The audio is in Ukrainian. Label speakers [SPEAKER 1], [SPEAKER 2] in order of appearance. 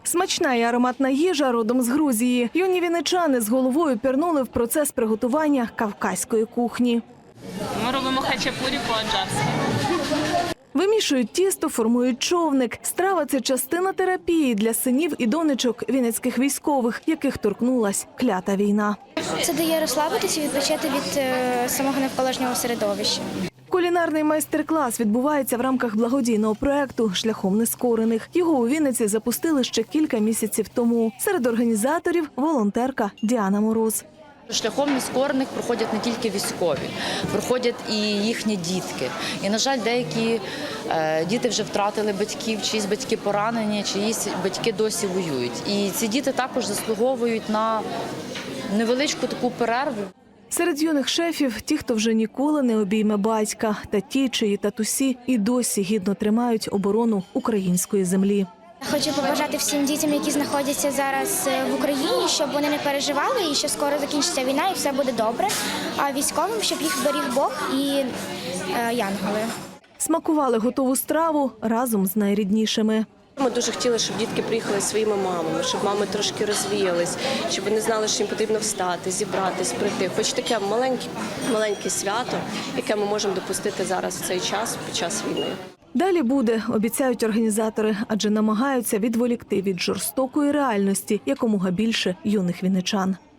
[SPEAKER 1] Смачна і ароматна їжа родом з Грузії. Юні вінничани з головою пірнули в процес приготування кавказької кухні.
[SPEAKER 2] Ми робимо хачапурі по-аджарськи.
[SPEAKER 1] Вимішують тісто, формують човник. Страва – це частина терапії для синів і донечок вінницьких військових, яких торкнулась клята війна.
[SPEAKER 3] Це дає розслабитися і відпочити від самого навколишнього середовища.
[SPEAKER 1] Кулінарний майстер-клас відбувається в рамках благодійного проєкту «Шляхом нескорених». Його у Вінниці запустили ще кілька місяців тому. Серед організаторів – волонтерка Діана Мороз.
[SPEAKER 4] Шляхом нескорених проходять не тільки військові, проходять і їхні дітки. І, на жаль, деякі діти вже втратили батьків, чиїсь батьки поранені, чиїсь батьки досі воюють. І ці діти також заслуговують на невеличку таку перерву.
[SPEAKER 1] Серед юних шефів – ті, хто вже ніколи не обійме батька, та ті, чиї татусі і досі гідно тримають оборону української землі.
[SPEAKER 3] Хочу побажати всім дітям, які знаходяться зараз в Україні, щоб вони не переживали і що скоро закінчиться війна і все буде добре. А військовим, щоб їх беріг Бог і янголи.
[SPEAKER 1] Смакували готову страву разом з найріднішими.
[SPEAKER 5] Ми дуже хотіли, щоб дітки приїхали зі своїми мамами, щоб мами трошки розвіялись, щоб вони знали, що їм потрібно встати, зібратись, прийти. Хоч таке маленьке свято, яке ми можемо допустити зараз в цей час, під час війни.
[SPEAKER 1] Далі буде, обіцяють організатори, адже намагаються відволікти від жорстокої реальності якомога більше юних вінничан.